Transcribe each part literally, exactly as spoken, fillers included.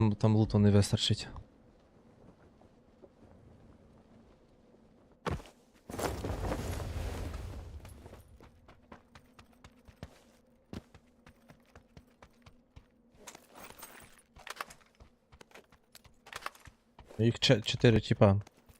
Там, там луту не вистачить. Їх че- чотири тіпа.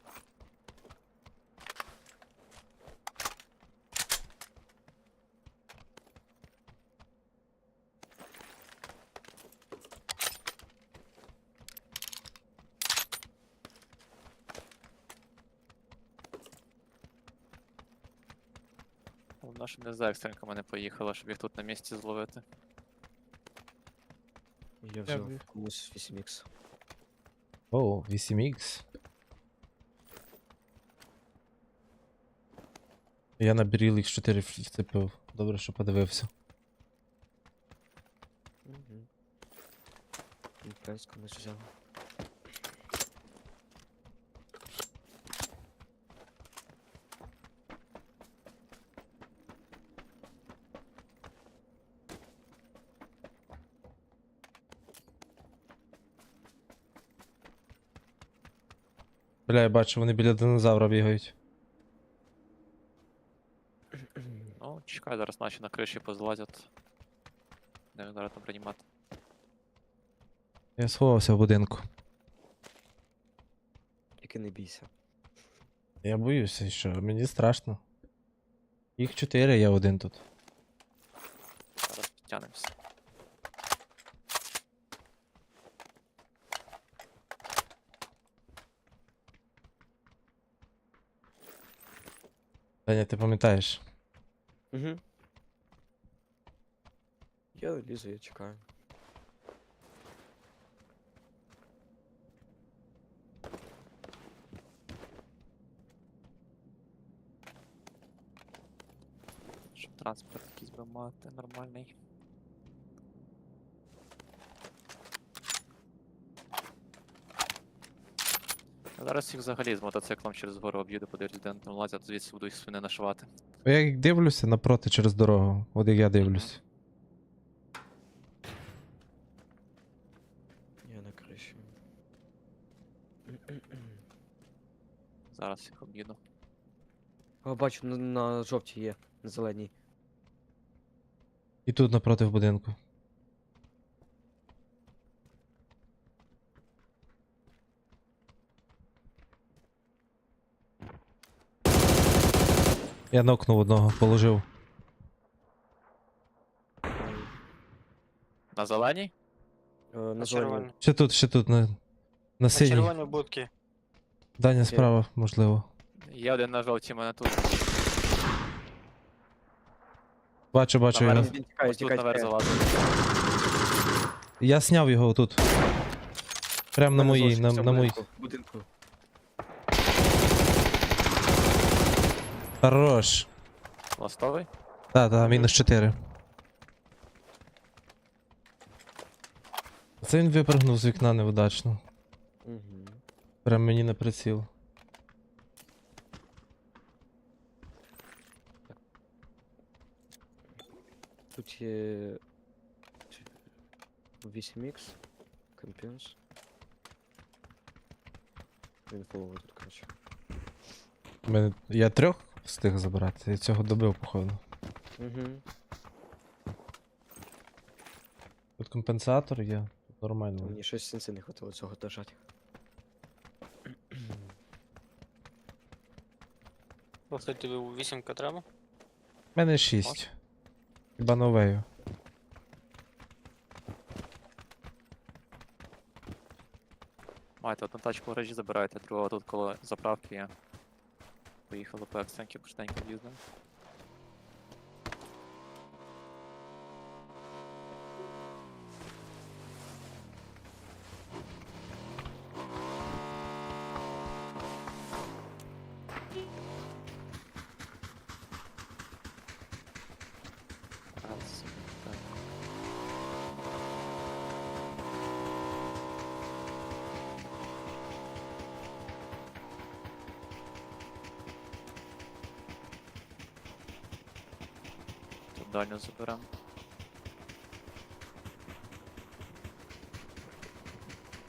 Вона ж не за екстренками не поїхала, щоб їх тут на місці зловити. Я взяв комусь вісім ікс. О, вісім ікс. Я на Беріл ікс чотири вцепив. Добре, що подивився. Угу. Пес комусь взяв. Бля, я бачу, вони біля динозавра бігають. Ну, чекай, зараз наші на криші позлазять. Не він зараз там приймати. Я сховався в будинку. Тільки не бійся. Я боюся, що мені страшно. Їх чотири, я один тут. Зараз підтягнемося. Таня, ти пам'ятаєш? Угу. Я лізу, я чекаю. Щоб транспорт якийсь би мати нормальний. Я зараз їх взагалі з мотоциклом через гору об'їду, подивлюсь, де вони там лазять, звідси буду їх свини нашивати. Я як дивлюся напроти через дорогу. От як я дивлюсь. Я на криші. Зараз їх об'їду. О, бачу, на, на жовтій є, на зеленій. І тут напроти в будинку. Я нокнув одного, положив. На зеленій? Е, на На зеленій. червоні. Ще тут, ще тут, на, на На синій. червоній будки. Даня справа, можливо. Є один на жовтій, мене тут. Бачу, бачу його. Наверх. Він тікає, Ось тут тікає, наверх тікає. залазить. Я сняв його тут. Прям на Мене моїй, на, залишився в на моїй. будинку, в будинку. Хорош. Ластовий? Та, та, мінус чотири. Це він випрыгнув з вікна невдачно. Угу. Прям мені на приціл. Тут є вісім ікс, компенс. Він фоловий тут, коротше. Мене... Я трьох встиг забрати, я цього добив, походу. Угу. Тут компенсатор є, тут нормально. Мені щось сенси не хватило цього держати. Просто тобі вісімка треба. У мене шість. Хіба новею. Маєте одну тачку в гаражі забираєте, другого тут коло заправки є. Поїхали по екстренки, поштеньки в'їздимо. Раз, так. Тут дальню заберемо.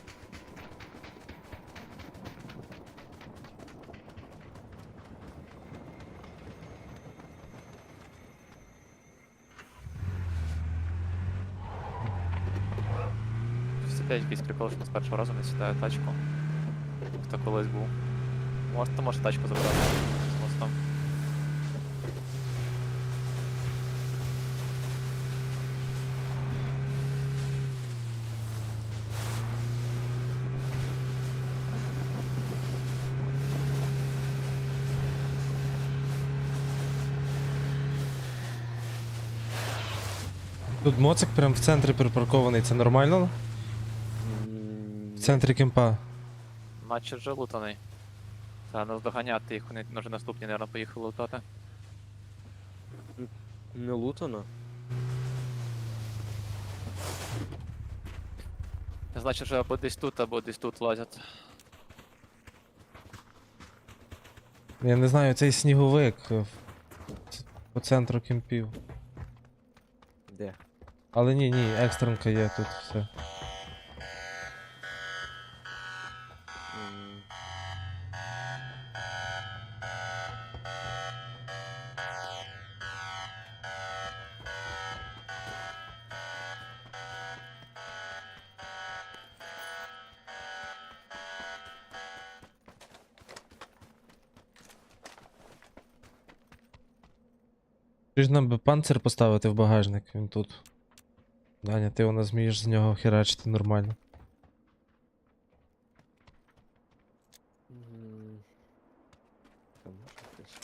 опять якийсь прикол, що з першого разу не сідає тачку. Хто колись був. Може, то може тачку забрати з мостом. Тут моцик прям в центрі припаркований, це нормально? М, В центрі кемпа. Наче вже лутаний. Треба наздоганяти їх, вони вже наступні, мабуть, поїхали лутати. Не лутано. Значить, вже або десь тут, або десь тут лазять. Я не знаю, цей сніговик е, в- по центру кемпів. Де? Але ні, ні, екстренка є тут все. М, Чи ж нам би панцир поставити в багажник, він тут. Даня, ти у нас змієш з нього херачити нормально. м. Там може хтось.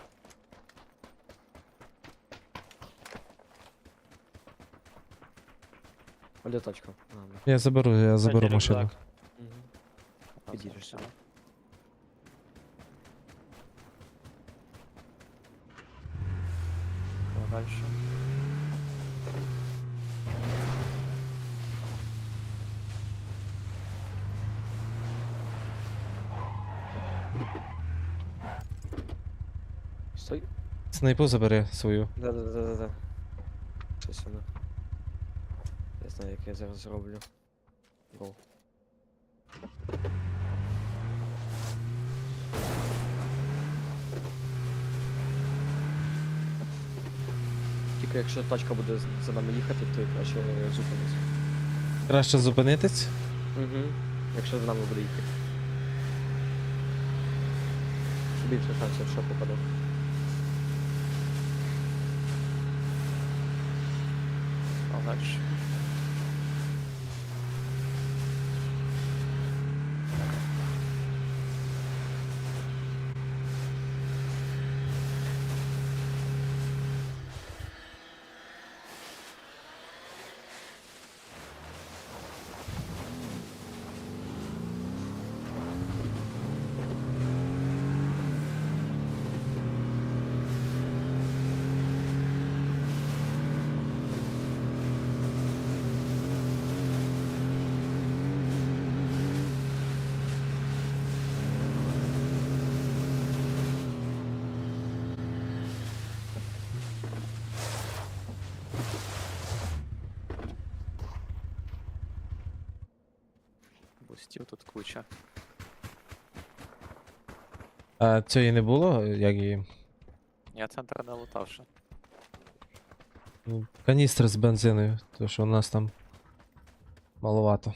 А де тачка? А, ну. Я заберу, я заберу Кстати, машину. рюкзак. Мгм. Підійдеш сюди. Далі. Стой. Снайпу забери свою. Да-да-да-да-да. Щось воно. Я знаю, як я зараз зроблю. Гол. Тільки якщо тачка буде з- за нами їхати, то я краще зупинись. Краще зупинитись. Угу. Якщо за нами буде їхати. Щоб більше шансів, що попаде. А далі. Бустів тут куча. А цієї не було, як її. Я центр не лутав ще. Ну, каністри з бензиною, тому що у нас там маловато.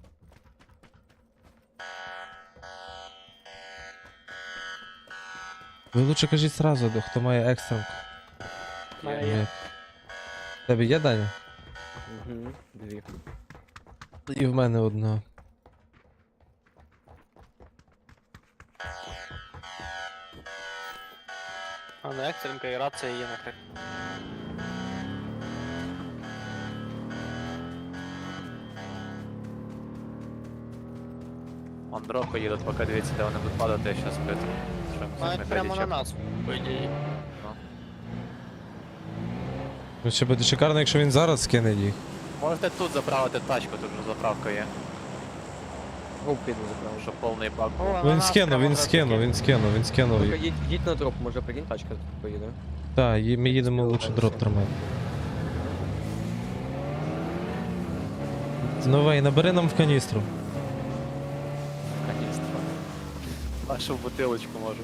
Ви лучше кажіть сразу, до- хто має екстренку. Мене Є. є. Ні. В тебе є, Даня? Угу. Дві. І в мене одна. А на екстренка і рація є на крик. Андроха їдуть, поки дивіться, де вони будуть падати, я щас бити. Навіть прямо на нас, по ідеї. Ну ще буде шикарно, якщо він зараз скине їх. Можете тут заправити тачку, тут вже заправка є. Гоу піду забрав. Щоб повний бак був. О, на Він нас скинув, прямо він одразу скинув, кинув. він скинув, він скинув Ну-ка, їх. їдь, їдь на дроп, може прикинь, тачка поїде. Так, ї- ми їдемо Спілка лучше все. дроп тримати. Новий, набери нам в каністру. Каністра. Нашу бутилочку може.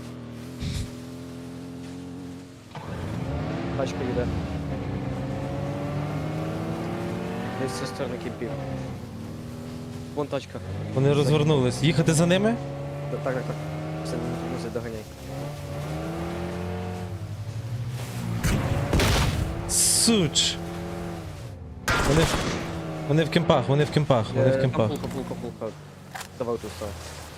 Тачка їде. Десь зі сторони кімпів. Вон тачка. Вони розвернулись. Їхати за ними? Да, так, так, так. Все, не музи, доганяй. Суч. Вони, в- вони в кемпах, вони в кемпах, вони в Е, кемпах. Пулка, пулка, пулка. Давай тут став.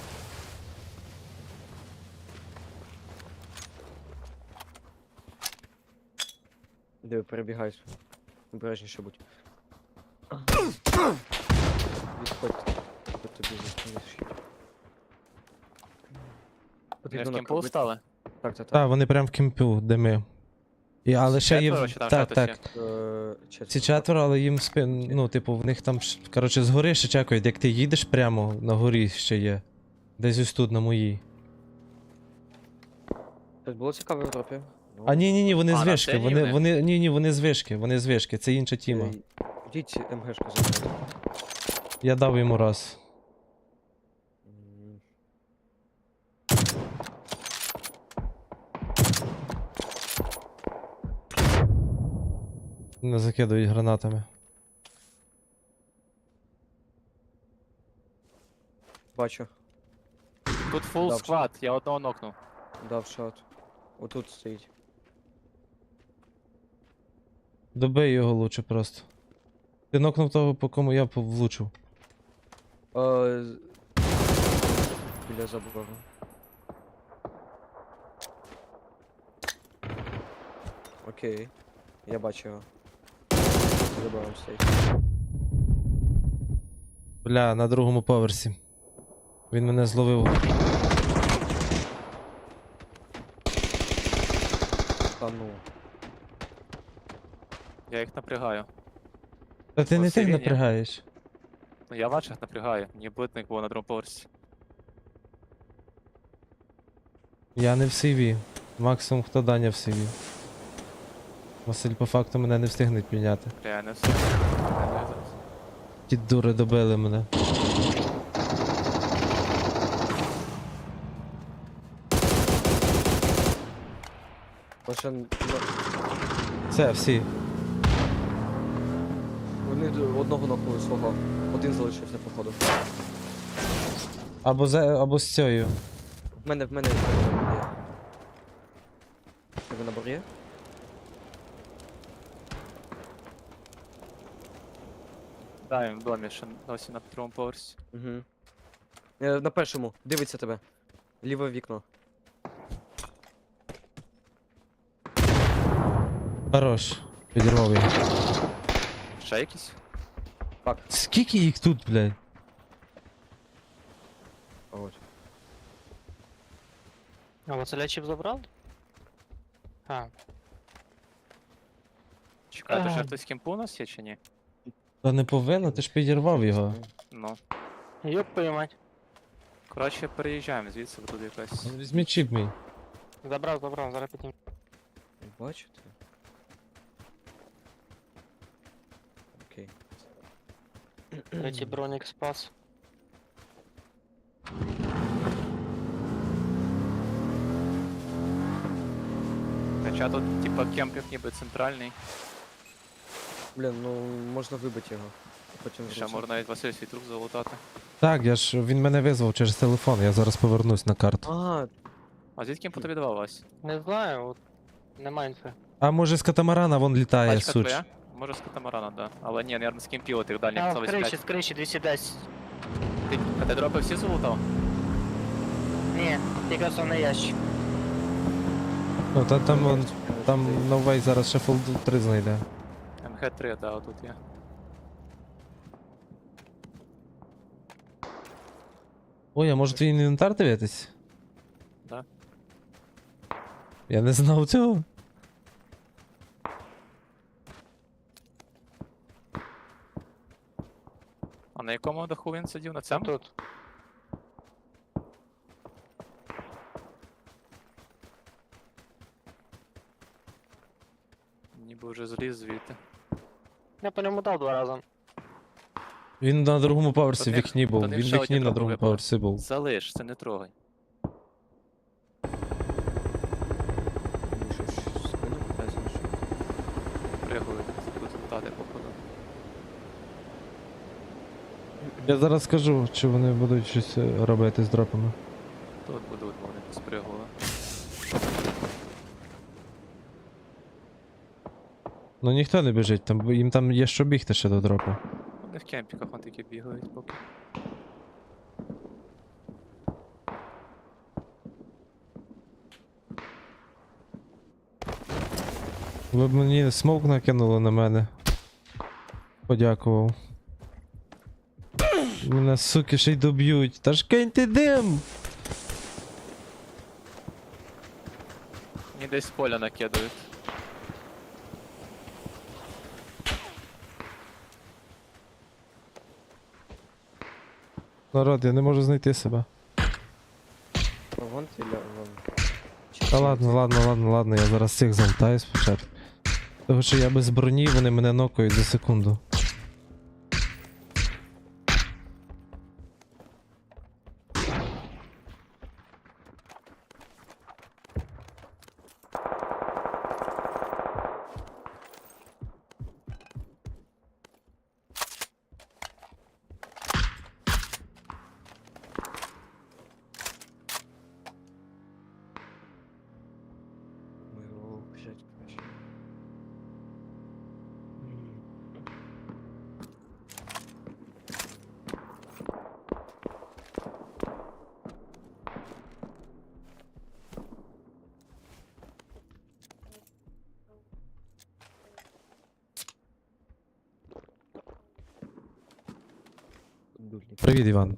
Диви, перебігаєш. Обережніше будь. Відходь. Тут тобі зашить. Вони в кемпу накопити. стали? Так, так, так. Так, вони прям в кемпу, де ми. І, але ще є. Четверо в- чи там Так, ще так. хтось Е, четверо. Ці четверо, але їм спин. Ну, типу, в них там. ш- Коротше, згори ще чекають, як ти їдеш прямо, на горі ще є. Десь ось тут, на моїй. Щось було цікаве в дропі? Ну, А ні, ні, ні, вони А, з на вишки. сцені Вони, вони? вони, ні, ні, вони з вишки, вони з вишки, це інша тіма. е, Йдіть МГшку забрати. Я дав йому раз. М, Не закидують гранатами. Бачу. Тут фул Да, сквад, я одного нокнув. Дав шот. Отут стоїть. Добий його лучше просто. Ти нокнув того, по кому я пов- влучив. Е, з- Біля забору. Окей. Я бачу його. Забором стоїть. Бля, на другому поверсі. Він мене зловив. Та ну. Я їх напрягаю. Та ти не тих Посилення. напрягаєш. Ну я ваших напрягаю, мені битник було на другому поверсі. Я не в сиві. Максимум хто Даня в сиві. Василь по факту мене не встигне підняти. Бля, я не все. Я не зараз. Ті дури добили мене. Лише н- Все, всі. вони д- одного нокнули свого. Один залишився, походу. Або за, або з цією. В мене, в мене в мене є. Тебе набор є? Да, він в домі ще досі на другому поверсі. Угу. Е, на першому. Дивиться тебе. Ліве вікно. Хорош. Підірвав його. Ще якісь? Фак. Скільки їх тут, блядь? От. А Василя чіп забрав? А, Чекай, то ще Ага. хтось в кемпу у нас є чи ні? Та не повинно, ти ж підірвав його. Ну. йоп поймать. Коротше, переїжджаємо звідси, бо тут якась. Візьміть чіп мій. Забрав, забрав, зараз піднім. Бачите? Окей. Третій бронік спас. Хоча тут, типа, кемп як ніби центральний. Блін, ну можна вибити його. Потім Ще зручно. можна навіть Василь свій труп залутати. Так, я ж він мене визвав через телефон, я зараз повернусь на карту. А, А звідки кемпу тобі давав Вась? Не знаю, от, нема інфи. А може з катамарана вон літає, Тачка суч. твоя? Може з катамарана, да. Але ні, наверное, з кемпів тих дальніх А, сто з криші, вісімдесят. з криші двісті десять. Ти, а ти дропи всі залутав? Ні, тільки основний ящик. Ну та там вон, там новий зараз ще фолд три знайде. Ем Ге три, да, отут є. Ой, а може твій інвентар дивитись? Да. Я не знав цього. А на якому даху він сидів? На цьому? Тут. Ніби вже зліз звідти. Я по ньому дав два рази. Він на другому поверсі в Тут вікні був. тут Він в ще вікні одні на трохи другому випали. поверсі був. Залиш, це не трогай. мені щось спину питається, ну що? Пригують, будуть лутати, походу. Я зараз скажу, чи вони будуть щось е, робити з дропами. Тут будуть, вони спригували. Ну ніхто не біжить, там, їм там є що бігти ще до дропу. Вони в кемпіках вон такі бігають поки. Ви б мені смок накинули на мене. Подякував. Мене, суки, ще й доб'ють. Та ж киньте дим! Мені десь з поля накидають. Народ, Я не можу знайти себе. ну, вон ти ля, вон. Та ладно, ладно, ладно, ладно, я зараз цих залутаю спочатку. Тому що я без броні, вони мене нокають за секунду. Ми його взять краще. М. Дульник. Привіт, Іван.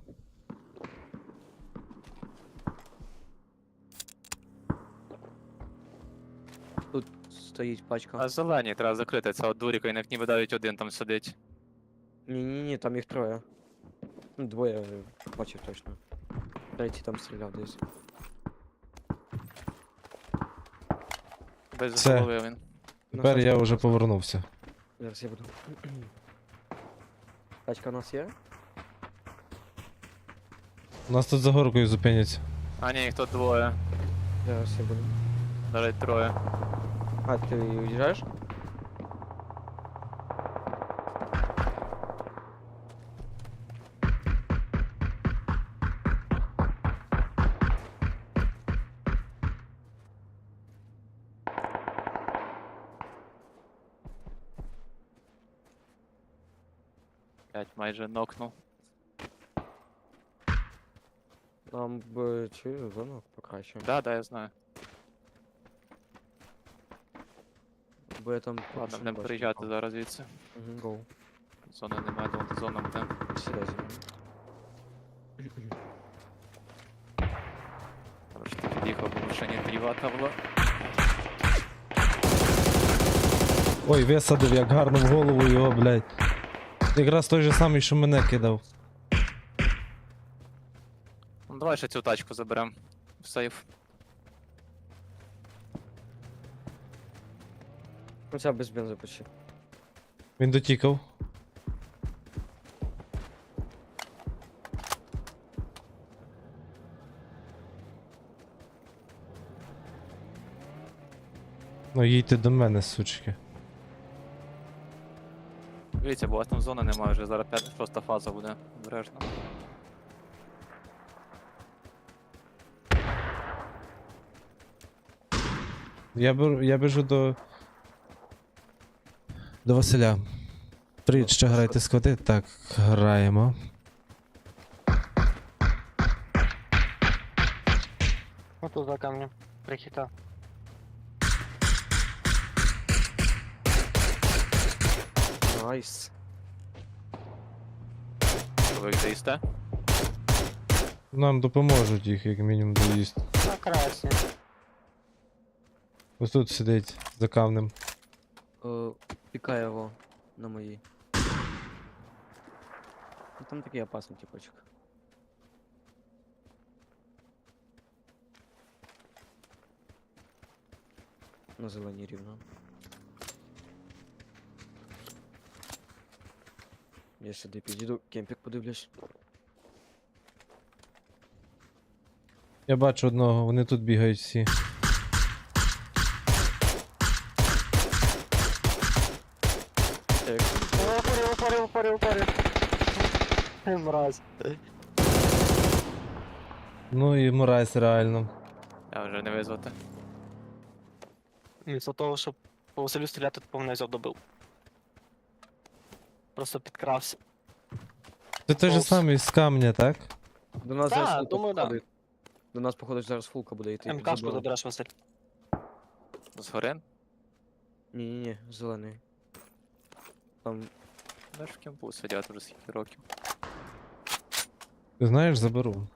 Тут стоїть пачка. А зелені треба закрити, це от дуріка, і як ніби навіть один там сидить. Ні-ні-ні, там їх троє. Ну, двоє е, бачив точно. Третій там стріляв десь. Без Це. голови він. Тепер Ну, я щас, вже щас. повернувся. Зараз я буду. Тачка у нас є? У нас тут за горкою зупиняться. А ні, їх тут двоє. Зараз я буду. Навіть троє. А, ти уїжджаєш? П'ять майже нокнув. Нам б цю зону покраще. Да, да, я знаю. Бо я там. Ладно, будемо приїжджати зараз звідси. Угу, гоу. Зони немає, тому зона буде. Сідай зі мною. Короче, ти під'їхав, бо в машині трівата була. Ой, висадив як гарно в голову його, блядь. Якраз той же самий, що мене кидав. Ну давай ще цю тачку заберем. В сейф. Ну ця без бензу почти. Він дотікав. Ну їдьте до мене, сучки. Дивіться, бо у вас там зони немає, вже зараз п'ята, шоста фаза буде. Обережно. Я беру, я біжу до. До Василя. Привіт, що граєте склади? Так, граємо. Вот тут за камнем. Прихита. Найс. Що ви їх доїсте? Нам допоможуть їх, як мінімум, доїсти. На красне. Ось тут сидить за камнем. Е, Пікає його на моїй. Ну там такий опасний типочок. На зеленій рівно. Я сюди підійду, кемпік подивлюсь. Я бачу одного, вони тут бігають всі. Так, Упорил, упорил, упорил, упорил. Мразь. Ну і Мурайс реально. Я вже не визвати. Вмісто того, щоб по Василю стріляти, то повний взяв добив. Просто підкрався. Це той же Повз. самий з камня, так? До нас Та, зараз фулка думаю, да. походить. До нас, походу, зараз фулка буде йти. МКшку забором. забереш, Василь. Згори? Ні-ні-ні, зелений. Там Де ж в кемпу сидять вже скільки років. Ти знаєш, заберу.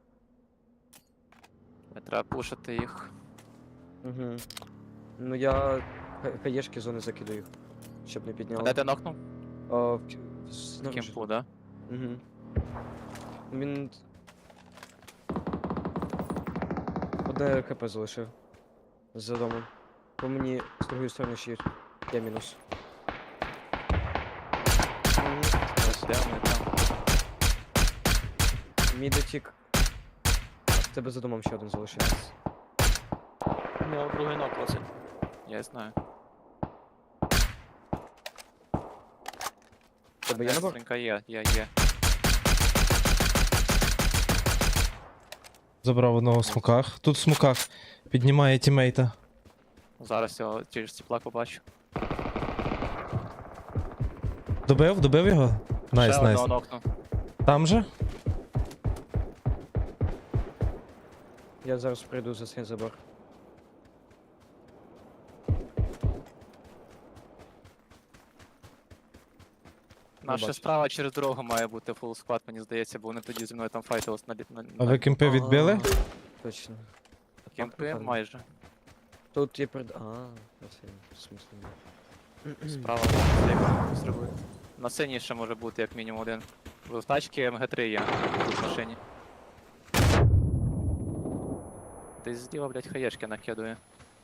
Не треба пушити їх. Угу. Ну я ха- хаєшки зони закидаю їх, щоб не А підняли. де ти нокнув? А, в... к- В снаружи. кемпу, да? Угу. Він... Одне ХП залишив. За домом. По мені з другої сторони ще є. Я мінус. Мгм. Ось де вони там. Мій дотік. В тебе за домом ще один залишився. У нього другий нок, Василь. Я знаю. В Тебе є набор? Стрінка є, є, є. Забрав одного в смоках. Тут в смоках піднімає тімейта. Зараз його через теплак побачу. Добив? Добив його? Найс, Ще найс. одного нокнув. Там же? Я зараз прийду за цей забор. Наша бачу. справа через дорогу має бути фул склад, мені здається, бо вони тоді зі мною там файтились на, лі- на, А на ви кемпи відбили? А, Точно. кемпи напевно. майже. Тут є пред... А, я все, в смислі. ні. Справа зліва зробити. На синій ще може бути як мінімум один. В тачці ем ге три є тут в машині. Десь зліва, блядь, хаєшки накидує.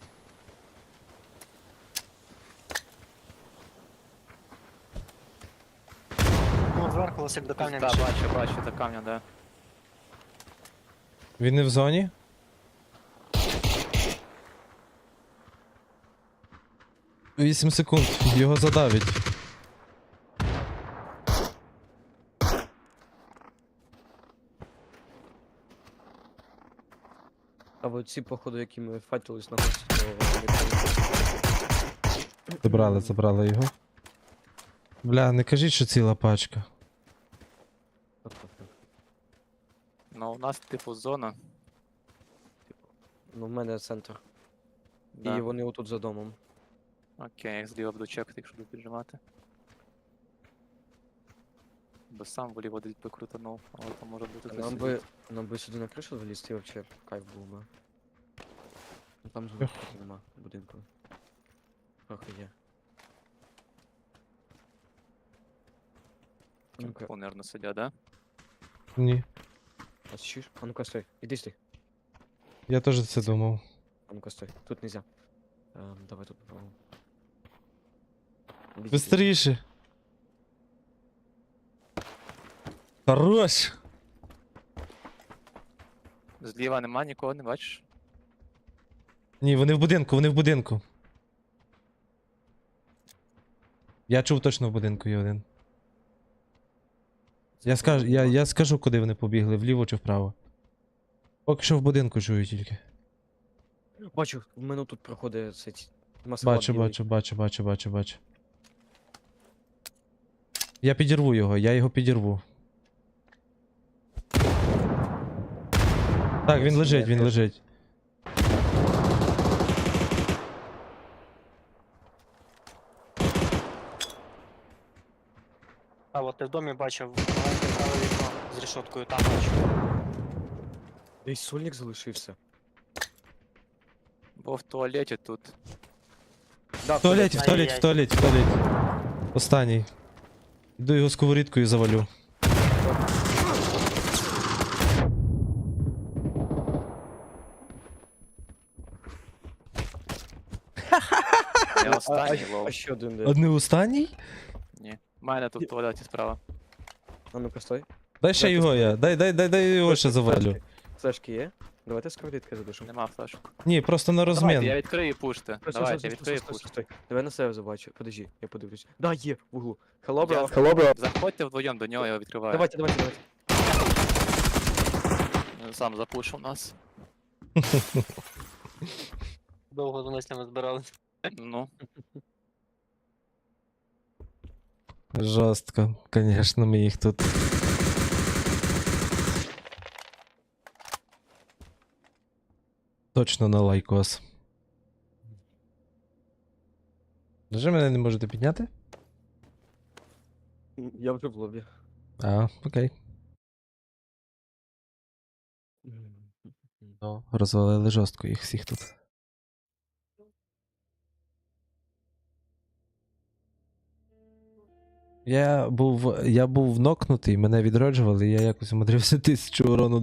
Ну, зверху Василь до камня Так, мішає. бачу, бачу, до камня, да. Він не в зоні? Вісім секунд, його задавить. А от ці, походу, які ми файтились на гості, то вони там- Забрали, забрали його. Бля, не кажіть, що ціла пачка. Ну, у нас типу зона. Ну, в мене центр. Да. І вони отут за домом. Окей, я зліва буду чекати, якщо буду піджимати. Бо сам волів один би крутанув, але там може бути хтось Нам сидить. би, нам би сюди на кришу залізти, вообще кайф був би. Ну там же трохи нема будинку. Трохи є. А ну-ка, Кемпу, наверно, сидять, да? Ні. а чуєш? А ну-ка стой, іди стой. Я теж це думав. А ну-ка стой, тут нельзя. Ем, давай тут попробуем. Іди сюди. Бистріше. Хорош! Зліва нема нікого, не бачиш? Ні, вони в будинку, вони в будинку. Я чув точно в будинку є один. Я скажу, я, я скажу, куди вони побігли, вліво чи вправо. Поки що в будинку чую тільки. Бачу, в мене тут проходить цей ці- масклад Бачу, білий. бачу, бачу, бачу, бачу, бачу. Я підірву його, я його підірву. Так, він Це лежить, я він теж. лежить. А от ти в домі бачив маленьке праве вікно з решоткою, там бачу. Десь сольник залишився. Бо в туалеті тут. Да, В туалеті, в туалеті, в Ай-яй-яй. туалеті, в туалеті. Останній. Йду його сковорідкою завалю. Я А, останній а, лов. а ще один де. Одне останній? Ні. У мене тут в туалеті справа. А ну-ка стой. Дай ще Дайте його я. Дай, дай, дай, дай його ще завалю. Флешки є? Давайте з кредитки задушимо. Нема флешок. Ні, просто на Давайте, я розмін. відкрию і пушти. Стой, стой, Давайте, стой, я стой, відкрию і стой, пушти. стой, стой. Давай на себе забачу. Подожди, я подивлюсь. Да, є, в углу. Hello, Я- bro. Hello, bro. Заходьте вдвоєм до нього, я його відкриваю. Давайте, давайте, давайте. Він Сам запушив нас. Довго з мислями збирали. Ну, Жорстко, звісно, ми їх тут. Точно на лайкос. Вже мене не можете підняти? Я вже в лобі. А, окей. Ну, розвалили жорстко їх всіх тут. Я був, я був нокнутий, мене відроджували, і я якось умудрився тисячу урону